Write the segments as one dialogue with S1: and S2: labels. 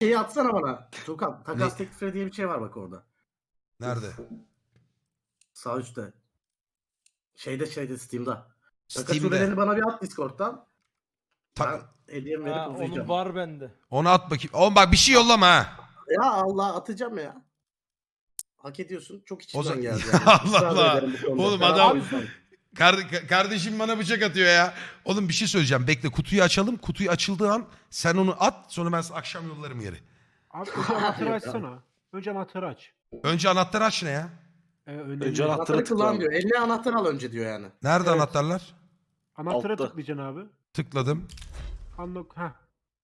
S1: Şeyi atsana bana. Tuğkan,
S2: Ne?
S1: takas teklifleri diye bir şey var bak orada.
S2: Nerede?
S1: Sağ üstte. Şeyde Steam'da. Takas
S2: Steam'de.
S1: sürelerini bana bir at Discord'dan. Ben
S2: Tak.
S1: hediyemi verip
S3: Onun
S1: uzayacağım.
S3: var bende.
S2: Onu at bakayım. Oğlum bak bir şey yollama ha.
S1: Ya Allah atacağım ya. Hak ediyorsun. Çok
S2: O
S1: içimden
S2: zaman...
S1: geldi
S2: Ya
S1: yani.
S2: Allah
S1: Israr da
S2: Allah.
S1: ederim bu konuda.
S2: Oğlum
S1: Ferhat
S2: adam...
S1: o yüzden.
S2: Kardeşim bana bıçak atıyor ya. Oğlum bir şey söyleyeceğim. Bekle kutuyu açalım. Kutuyu açıldığı an sen onu at. Sonra ben sana akşam yollarım yeri.
S4: Abi önce anahtarı açsana. Önce anahtarı aç.
S2: Önce anahtarı aç ne ya?
S4: Önce
S1: Anahtarı kullan diyor. Eline anahtar al önce diyor yani.
S2: Nerede
S4: Evet.
S2: anahtarlar?
S4: Anahtara
S5: Altta.
S4: tıklayacaksın abi.
S2: Tıkladım.
S4: Unlock. Heh.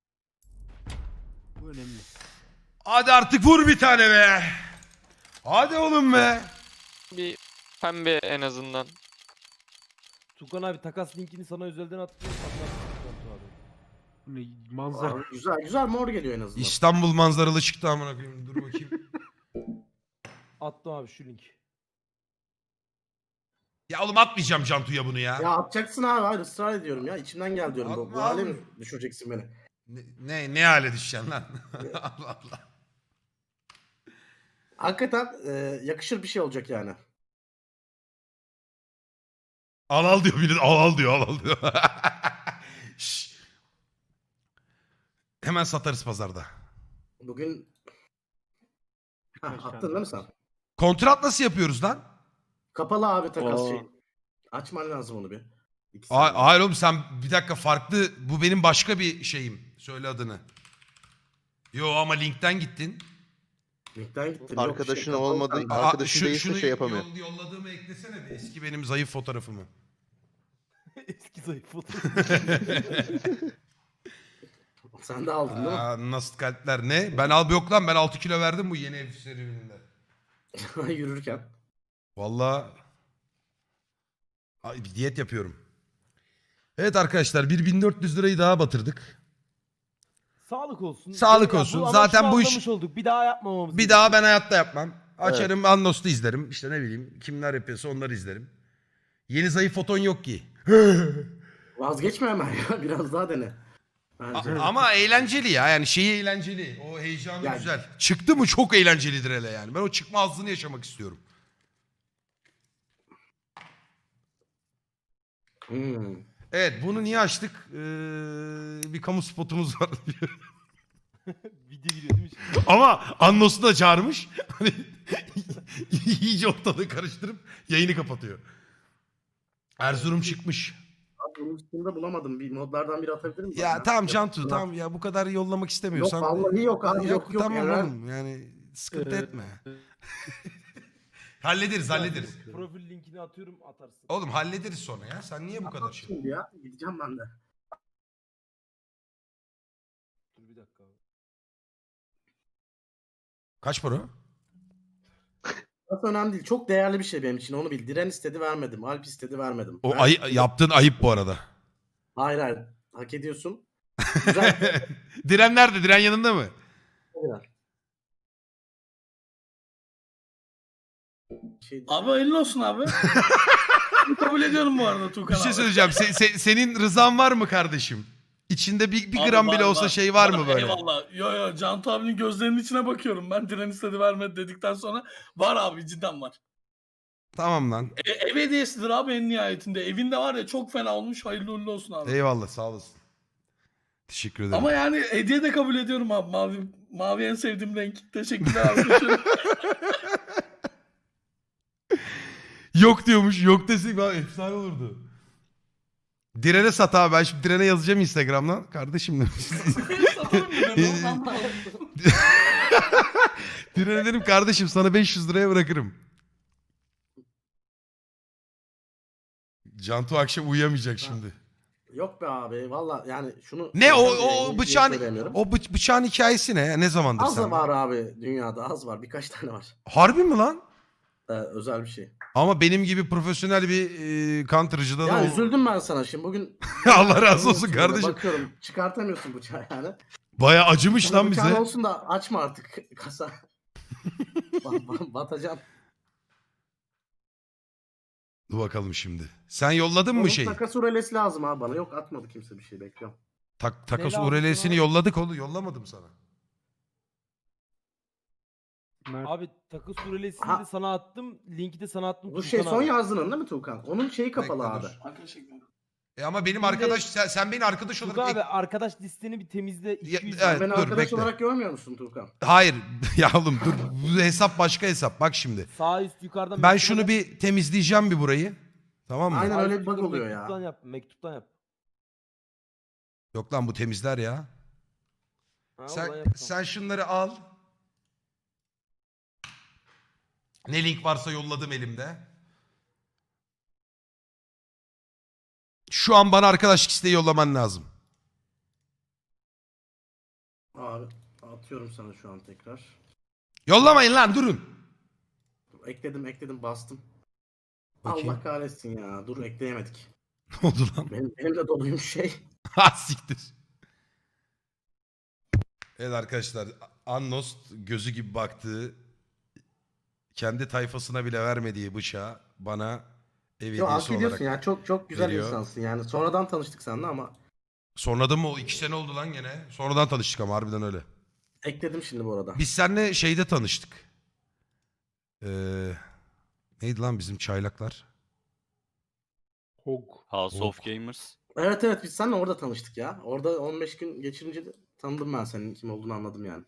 S4: Bu önemli.
S2: Hadi artık vur bir tane be. Hadi oğlum be.
S5: Bir pembe en azından.
S3: Tukan abi takas linkini sana özelden attım.
S4: Bu ne manzara.
S1: Abi, güzel mor geliyor en azından.
S2: İstanbul manzaralı çıktı amına koyayım. Dur bakayım.
S3: Attım abi şu link.
S2: Ya oğlum atmayacağım Cantu'ya bunu ya.
S1: Ya atacaksın abi. Hayır ısrar ediyorum ya. İçimden gel diyorum. Bu
S2: Atma
S1: hale
S2: abi.
S1: mi düşüreceksin beni?
S2: Ne hale düşeceksin lan? Allah Allah.
S1: Hakikaten yakışır bir şey olacak yani.
S2: Al diyor biri. Al diyor. Şşş. Hemen satarız pazarda.
S1: Bugün
S4: Birkaç
S1: attın
S4: tane
S1: değil mi sen?
S2: Kontrat nasıl yapıyoruz lan?
S1: Kapalı abi takas
S5: Aa.
S1: şey. Açman lazım onu bir. İki
S2: Hayır,
S1: saniye.
S2: hayır oğlum sen bir dakika farklı. Bu benim başka bir şeyim. Söyle adını. Yo ama linkten gittin.
S1: Linkten gittim.
S6: Arkadaşın
S1: kapalı
S6: olmadığı-
S1: kanka.
S6: Arkadaşın değilse şey yapamıyor.
S2: Yolladığımı eklesene bir. Eski benim zayıf fotoğrafımı.
S3: Eski zayıf fotoğraf.
S1: Sen de aldın değil mi?
S2: Aa, nasıl kalpler ne? Ben yok lan ben 6 kilo verdim bu yeni ev serüveninde.
S1: Yürürken.
S2: Vallahi bir diyet yapıyorum. Evet arkadaşlar 1400 lirayı daha batırdık.
S3: Sağlık olsun.
S2: Sağlık
S3: Ya
S2: olsun.
S3: ama
S2: Zaten
S3: şunu
S2: bu iş-
S3: anlamış olduk. Bir daha yapmamamız
S2: Bir daha ben hayatta yapmam. Açarım Anlos'ta izlerim. İşte ne bileyim kimler yapıyorsa onları izlerim. Yeni zayıf foton yok ki.
S1: Vazgeçme hemen ya. Biraz daha dene. Bence.
S2: Ama eğlenceli ya. Yani şeyi eğlenceli. O heyecanı
S1: Yani-
S2: güzel. Çıktı mı çok eğlencelidir hele yani. Ben o çıkma hazzını yaşamak istiyorum.
S1: Hmm.
S2: Evet bunu niye açtık? Bir kamu spotumuz var.
S3: Video giriyor değil mi şimdi?
S2: Ama Annos'u da çağırmış. Hani iyice ortalığı karıştırıp yayını kapatıyor. Erzurum çıkmış.
S1: Abi bunun üstünde bulamadım. Bir modlardan biri atabilir miyim?
S2: Ya
S1: bana?
S2: tamam Cantu
S1: Yok,
S2: tamam ya bu kadar yollamak istemiyorsan.
S1: vallahi yok abi, yok,
S2: Tamam
S1: Eren.
S2: oğlum yani sıkıntı etme. hallederiz.
S3: Profil linkini atıyorum atarsın.
S2: Oğlum hallederiz sonra ya. Sen niye bu kadar şey?
S1: Şimdi ya. Gideceğim ben de.
S3: Dur bir dakika abi.
S2: Kaç para?
S1: Nasıl önemli değil. Çok değerli bir şey benim için. Onu bil. Diren istedi vermedim. Alp istedi vermedim.
S2: O
S1: Ben-
S2: yaptığın ayıp bu arada.
S1: Hayır. Hak ediyorsun. Güzel.
S2: Diren nerede? Diren yanında mı?
S1: Güzel. Şey,
S7: Abi hayırlı olsun abi. Kabul ediyorum bu arada Tuğkan
S2: Bir şey
S7: abi.
S2: söyleyeceğim. Senin rızan var mı kardeşim? İçinde bir
S7: Abi
S2: gram
S7: var,
S2: bile olsa şey var mı böyle?
S7: Eyvallah. Yo Cantu abinin gözlerinin içine bakıyorum. Ben diren istedi vermedi dedikten sonra var abi cidden var.
S2: Tamam lan.
S7: Ev hediyesidir abi en nihayetinde. Evinde var ya çok fena olmuş. Hayırlı uğurlu olsun abi.
S2: Eyvallah sağ olasın. Teşekkür ederim.
S7: Ama yani hediye de kabul ediyorum abi. Mavi en sevdiğim renk. Teşekkürler abi.
S2: Yok diyormuş. Yok desek abi efsane olurdu. Diren'e sat abi. Ben şimdi Diren'e yazacağım Instagram'dan. Kardeşim demiş.
S7: Satalım mı dedim.
S2: Diren'e dedim kardeşim sana 500 liraya bırakırım. Cantu akşam uyuyamayacak şimdi.
S1: Yok be abi. Valla yani şunu...
S2: Ne o
S1: Niye
S2: bıçağın
S1: söyleyemiyorum?
S2: bıçağın hikayesi ne? Ya? Ne zamandır
S1: Az da
S2: sen?
S1: var abi dünyada. Az var. Birkaç tane var.
S2: Harbi mi lan?
S1: Özel bir şey.
S2: Ama benim gibi profesyonel bir counter'cıda
S1: Ya
S2: da
S1: üzüldüm ben sana şimdi. Bugün...
S2: Allah razı olsun kardeşim.
S1: Bakıyorum. Çıkartamıyorsun bıçağı yani.
S2: Baya acımış
S1: Sana
S2: lan
S1: bıçağın
S2: bize.
S1: olsun da açma artık kasa. Batacan.
S2: Dur bakalım şimdi. Sen yolladın mı
S1: Onun
S2: şey?
S1: takas urelesi lazım abi bana. Yok atmadı kimse bir şey bekliyorum.
S2: Takas
S3: Ne lazım
S2: urelesini
S3: sana?
S2: yolladık oğlum. Yollamadım sana.
S4: Mert.
S3: Abi takas surelesini
S1: Ha.
S3: de sana attım. Linki de sana attım.
S1: Bu şey
S3: Tuğkan
S1: son
S3: abi.
S1: yazdığın değil mi Tuğkan? Onun şeyi kapalı
S2: Bekle,
S1: abi.
S2: dur.
S7: Arkadaş ekliyorum.
S2: Ama benim
S3: Şimdi-
S2: arkadaş sen beni arkadaş
S3: Tuğkan
S2: olarak
S3: abi arkadaş listeni bir temizle.
S2: Ya-
S3: 200
S2: evet.
S1: Beni
S2: dur,
S1: arkadaş
S2: bekle.
S1: olarak görmüyor musun Tuğkan?
S2: Hayır ya oğlum dur bu hesap başka hesap bak şimdi.
S3: Sağ üst yukarıdan.
S2: Ben
S3: mektup
S2: şunu
S3: yap.
S2: bir temizleyeceğim bir burayı. Tamam mı?
S1: Aynen
S3: Sağ
S1: öyle
S3: üst
S1: bir bug
S3: yukarı
S1: oluyor ya.
S3: mektuptan yap. Mektuptan yap.
S2: Yok lan bu temizler ya.
S3: Ha, oradan
S2: Sen,
S3: yap.
S2: sen şunları al. Ne link varsa yolladım elimde. Şu an bana arkadaşlık isteği yollaman lazım.
S1: Abi atıyorum sana şu an tekrar.
S2: Yollamayın lan durun.
S1: Ekledim bastım.
S2: Bakayım.
S1: Allah kahretsin ya. Dur ekleyemedik.
S2: Ne oldu lan?
S1: Benim de doluyum şey.
S2: Ha siktir. Evet arkadaşlar. Annost gözü gibi baktığı kendi tayfasına bile vermediği bıçağı bana ev
S1: Yo hak
S2: hediyesi
S1: ediyorsun
S2: olarak.
S1: ya. Çok güzel
S2: veriyor.
S1: insansın yani. Sonradan tanıştık seninle ama
S2: Sonradan mı? 2 sene oldu lan gene. Sonradan tanıştık ama harbiden öyle.
S1: ekledim şimdi bu arada.
S2: Biz seninle şeyde tanıştık. Neydi lan bizim çaylaklar?
S4: Hog.
S6: House
S2: Yok.
S6: of Gamers.
S1: Evet biz seninle orada tanıştık ya. Orada 15 gün geçirince de tanıdım ben senin kim olduğunu anladım yani.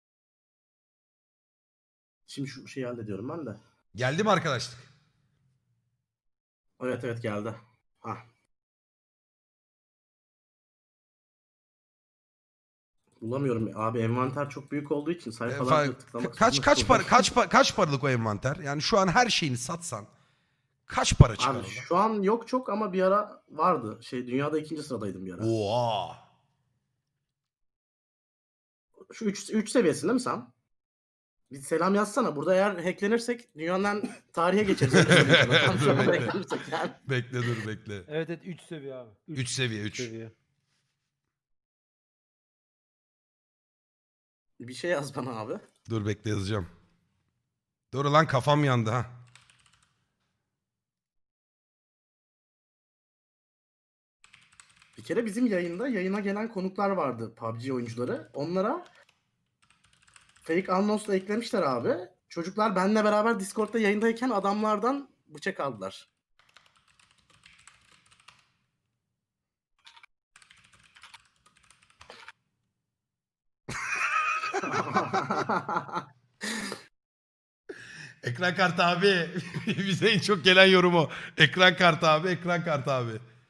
S1: Şimdi şu şeyi hallediyorum ben de.
S2: Geldi mi arkadaşlık?
S1: Evet geldi. Hah. Bulamıyorum abi, envanter çok büyük olduğu için sayfalarca tıklamak.
S2: Kaç paralık o envanter? Yani şu an her şeyini satsan kaç para çıkar
S1: Abi
S2: orada?
S1: şu an yok çok ama bir ara vardı. Dünyada 2. sıradaydım bir ara.
S2: Oha.
S1: Şu 3 seviyesinde mi sen? Bir selam yazsana. Burada eğer hacklenirsek dünyanın tarihe geçeriz. Öyle söyleyeyim sana. Tam şu anda hacklenirsek yani.
S2: Bekle dur bekle.
S3: Evet 3 seviye abi.
S2: 3 seviye 3.
S4: Seviye.
S1: Bir şey yaz bana abi.
S2: Dur bekle yazacağım. Dur lan kafam yandı ha.
S1: Bir kere bizim yayına gelen konuklar vardı, PUBG oyuncuları. Onlara fake Unknowns'la eklemişler abi. Çocuklar benimle beraber Discord'da yayındayken adamlardan bıçak aldılar.
S2: Ekran kartı abi. Bize en çok gelen yorum o. Ekran kartı abi, ekran kartı abi.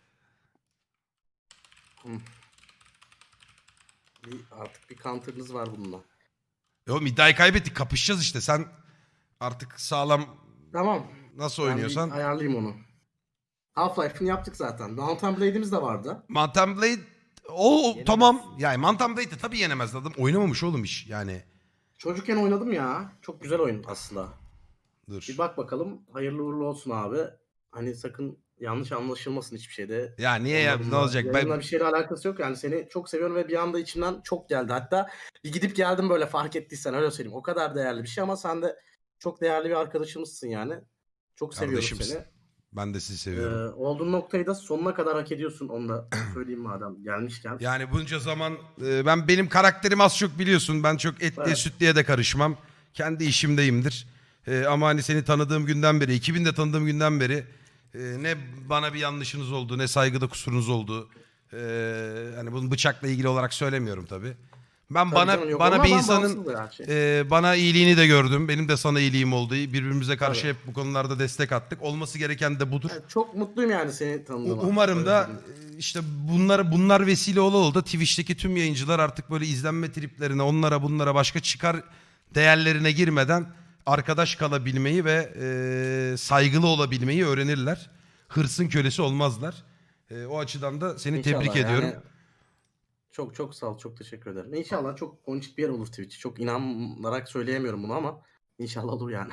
S1: Artık bir counter'ınız var bununla.
S2: Oğlum iddiayı kaybettik. Kapışacağız işte. Sen artık sağlam
S1: Tamam.
S2: nasıl
S1: Ben
S2: oynuyorsan.
S1: bir ayarlayayım onu. Half-Life'ını yaptık zaten. Mountain Blade'imiz de vardı.
S2: Mountain Blade o
S3: Yenemez.
S2: tamam. Yani Mountain Blade'de tabii yenemez adam. Oynamamış oğlum iş yani.
S1: Çocukken oynadım ya. Çok güzel oyun aslında.
S2: Dur.
S1: Bir bak bakalım. Hayırlı uğurlu olsun abi. Hani sakın yanlış anlaşılmasın hiçbir şeyde.
S2: Ya niye ya ne
S1: Onlarla-
S2: olacak?
S1: Yayınla
S2: Ben
S1: bir şeyle alakası yok yani, seni çok seviyorum ve bir anda içimden çok geldi. Hatta bir gidip geldim böyle, fark ettiysen öyle söyleyeyim. O kadar değerli bir şey ama sen de çok değerli bir arkadaşımızsın yani. Çok seviyorum
S2: Kardeşimsin.
S1: seni.
S2: ben de sizi seviyorum.
S1: Olduğun noktayı da sonuna kadar hak ediyorsun, onu da söyleyeyim madem gelmişken.
S2: Yani bunca zaman benim karakterim az çok biliyorsun. Ben çok etliye
S1: Evet.
S2: sütlüye de karışmam. Kendi işimdeyimdir. Ama hani seni tanıdığım günden beri, 2000'de tanıdığım günden beri ne bana bir yanlışınız oldu, ne saygıda kusurunuz oldu. Hani bunu bıçakla ilgili olarak söylemiyorum tabii. Ben
S1: Tabii canım, yok.
S2: bana
S1: Ama
S2: bir
S1: ben
S2: insanın
S1: bağımsız ya şey.
S2: bana iyiliğini de gördüm. Benim de sana iyiliğim oldu. Birbirimize karşı
S1: Tabii.
S2: hep bu konularda destek attık. Olması gereken de budur.
S1: Evet, çok mutluyum yani seni tanıdığıma.
S2: Umarım
S1: Öyle
S2: da
S1: söyleyeyim.
S2: işte bunlar vesile ola da Twitch'teki tüm yayıncılar artık böyle izlenme triplerine, onlara bunlara, başka çıkar değerlerine girmeden arkadaş kalabilmeyi ve saygılı olabilmeyi öğrenirler. Hırsın kölesi olmazlar. O açıdan da seni
S1: İnşallah
S2: tebrik
S1: yani.
S2: ediyorum.
S1: Çok sağ ol, çok teşekkür ederim. İnşallah çok ponçik bir yer olur Twitch. Çok inanarak söyleyemiyorum bunu ama inşallah olur yani.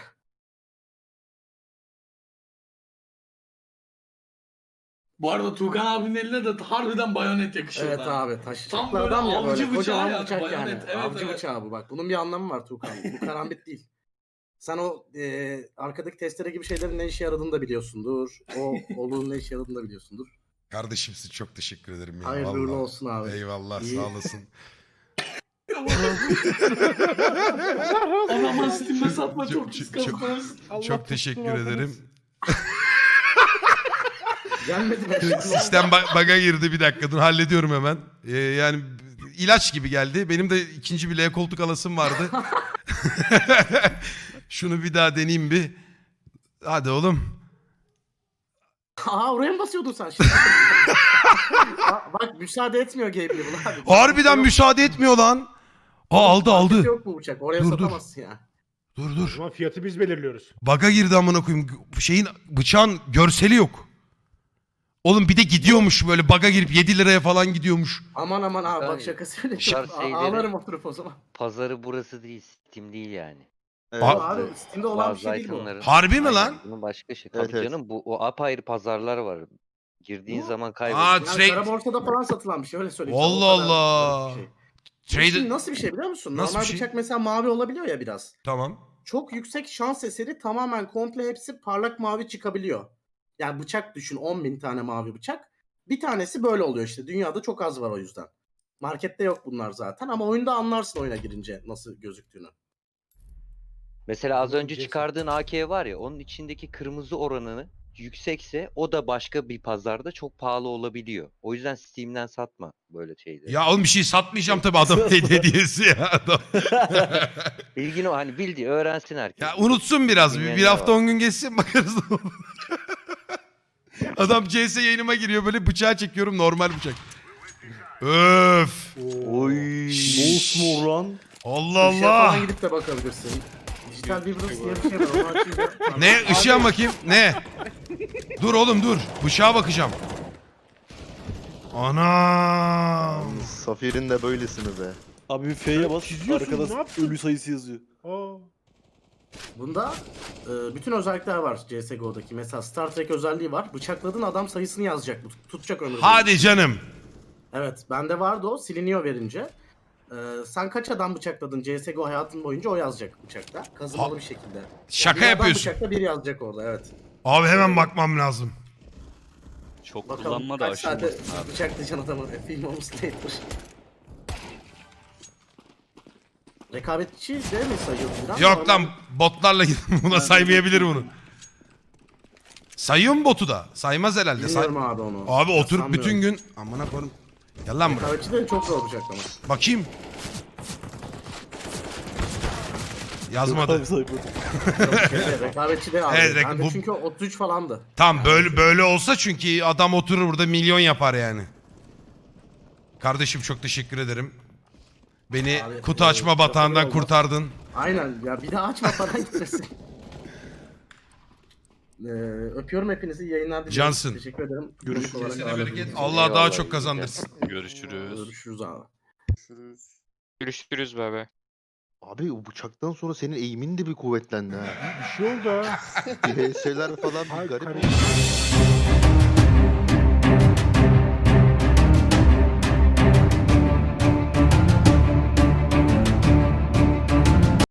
S7: Bu arada Tuğkan abinin eline de harbiden bayonet yakışıyor.
S1: Evet
S7: ha.
S1: abi, taş.
S7: Tam böyle
S1: adam ya,
S7: avcı
S1: böyle
S7: bıçağı
S1: kocaman
S7: yani,
S1: bıçak yani.
S7: bayonet. Evet,
S1: Avcı
S7: evet.
S1: bıçağı bu, bak. Bunun bir anlamı var Tuğkan. Bu karambit değil. Sen o arkadaki testere gibi şeylerin ne işe yaradığını da biliyorsundur. O oluğun ne işe yaradığını da biliyorsundur.
S2: Kardeşimsin, çok teşekkür ederim. Ya,
S1: Hayırlı uğurlu
S2: vallahi.
S1: olsun abi.
S2: Eyvallah
S1: İyi.
S2: sağ olasın.
S7: Adamlar Steam'de satma çok
S2: Çok-
S7: pis
S2: çok-
S7: kazanırız.
S4: Allah
S2: Çok
S4: tutsun
S2: teşekkür
S4: adınız.
S2: ederim.
S1: Gelmedi be.
S2: Sistem bug'a girdi, bir dakika dur hallediyorum hemen. Yani ilaç gibi geldi. Benim de ikinci bir L koltuk alasım vardı. Şunu bir daha deneyeyim bir. Hadi oğlum.
S1: Aa oraya mı basıyordun sen şimdi? Bak müsaade etmiyor Gabriel abi.
S2: Harbiden müsaade etmiyor lan. Aldı
S1: Markette
S2: aldı.
S1: Yok bu bıçak. Oraya
S2: Dur, dur.
S1: satamazsın ya.
S2: Dur
S4: O
S2: dur.
S4: zaman fiyatı biz belirliyoruz.
S2: Bug'a girdi amına koyayım. Şeyin, bıçağın görseli yok. Oğlum bir de gidiyormuş böyle, bug'a girip 7 liraya falan gidiyormuş.
S1: Aman aman abi bak
S6: Yani
S1: şakası öyle.
S6: bu tarz şeyleri-
S1: Ağlarım oturup o zaman.
S6: Pazarı burası değil, Steam değil yani.
S1: Abi Steam'de olan bir
S6: Bazı
S1: şey değil bu.
S6: itemların.
S2: Harbi mi
S6: Aynen,
S2: lan?
S6: bunun başka şey.
S8: Evet,
S6: Tabii
S8: evet.
S6: canım bu o apayrı pazarlar var. Girdiğin
S1: Bu-
S6: zaman
S2: Aa,
S6: kayboluyorsun.
S1: Yani
S2: Trade-
S1: kara borsada falan satılan bir şey öyle söyleyeyim.
S2: Allah
S1: sana, o kadar
S2: Allah.
S1: garip bir şey. Şimdi
S2: Trade...
S1: nasıl bir şey biliyor musun?
S2: Nasıl
S1: Normal
S2: bir şey?
S1: bıçak mesela mavi olabiliyor ya biraz.
S2: Tamam.
S1: Çok yüksek şans eseri tamamen komple hepsi parlak mavi çıkabiliyor. Yani bıçak düşün 10.000 tane mavi bıçak. Bir tanesi böyle oluyor işte. Dünyada çok az var o yüzden. Markette yok bunlar zaten ama oyunda anlarsın oyuna girince nasıl gözüktüğünü.
S6: Mesela az önce
S4: Jason.
S6: çıkardığın AK var ya, onun içindeki kırmızı oranını yüksekse o da başka bir pazarda çok pahalı olabiliyor. O yüzden Steam'den satma böyle şeyleri.
S2: Ya oğlum bir şey satmayacağım tabii, adam hediyesi ya adam.
S6: Bilgin o, hani bildiği öğrensin herkes.
S2: Ya unutsun biraz. Bir
S6: Bilmeyenler
S2: hafta
S6: var.
S2: 10 gün geçsin bakarız ne olur. Adam CS yayınıma giriyor, böyle bıçağı çekiyorum, normal bıçak. Öf.
S8: Oy. Mosmor lan.
S2: Allah
S1: Işığa
S2: Allah.
S1: falan gidip de bakabilirsin. Dijital Vibrance diye bir şey var. Onu açınca...
S2: Ne? Işığa bakayım. Ne? Dur oğlum dur. Bıçağa bakacağım. Ana.
S8: Safir'in de böylesini be.
S9: Abi bir F'ye bas.
S4: çiziyorsun, ne
S9: Arkada
S4: yaptın?
S9: ölü sayısı yazıyor.
S4: Aa.
S1: Bunda bütün özellikler var CSGO'daki. Mesela Star Trek özelliği var. Bıçakladığın adam sayısını yazacak. Tutacak ömür boyu.
S2: Hadi canım.
S1: Evet. Bende vardı o. Siliniyor verince. Sen kaç adam bıçakladın CSGO hayatın boyunca o yazacak bıçakta. Kazımalı bir şekilde.
S2: Şaka
S1: bir adam
S2: yapıyorsun.
S1: bıçakta biri yazacak orada evet.
S2: Abi hemen bakmam lazım.
S10: Çok
S1: Bakalım
S10: kullanma da
S1: kaç saate
S10: aşılmasın abi.
S1: bıçaklayacaksın adamı. Film olmuş later. Rekabetçi de mi sayıyorsun? lan?
S2: Yok lan,
S1: Normal-
S2: botlarla gidin. Buna saymayabilir bunu. Sayıyor mu botu da? Saymaz herhalde.
S1: Bilmiyorum abi onu.
S2: Abi oturup
S1: Sanmıyorum.
S2: bütün gün... Amına koyayım. Gel lan buraya.
S1: Rekabetçi de çok zor bıçaklama.
S2: Bakayım. Yazmadı.
S9: Abi sayfa.
S1: Rekabetçi de abi.
S2: Evet,
S1: Bende
S2: bu-
S1: çünkü 33 falandı.
S2: Tam böyle olsa çünkü adam oturur burada milyon yapar yani. Kardeşim çok teşekkür ederim. Beni
S1: Abi,
S2: kutu açma batağından
S1: olmaz.
S2: kurtardın.
S1: Aynen ya bir daha açma falan gitmesin. Öpüyorum hepinizi, iyi yayınlar diliyorum.
S2: Cansın.
S1: Teşekkür ederim.
S9: Görüşürüz.
S1: Konuk olarak
S2: Kesene
S1: ağırladığınız
S2: bereket.
S1: için.
S2: Allah daha
S6: Eyvallah,
S2: çok
S6: iyi
S2: kazandırsın.
S10: Görüşürüz.
S1: Görüşürüz abi.
S5: Görüşürüz be.
S8: Abi o bıçaktan sonra senin eğimin de bir kuvvetlendi ha.
S4: Bir şey oldu ha.
S8: Bir HS'ler falan bir
S4: Ay,
S8: garip
S4: karı-
S8: oldu.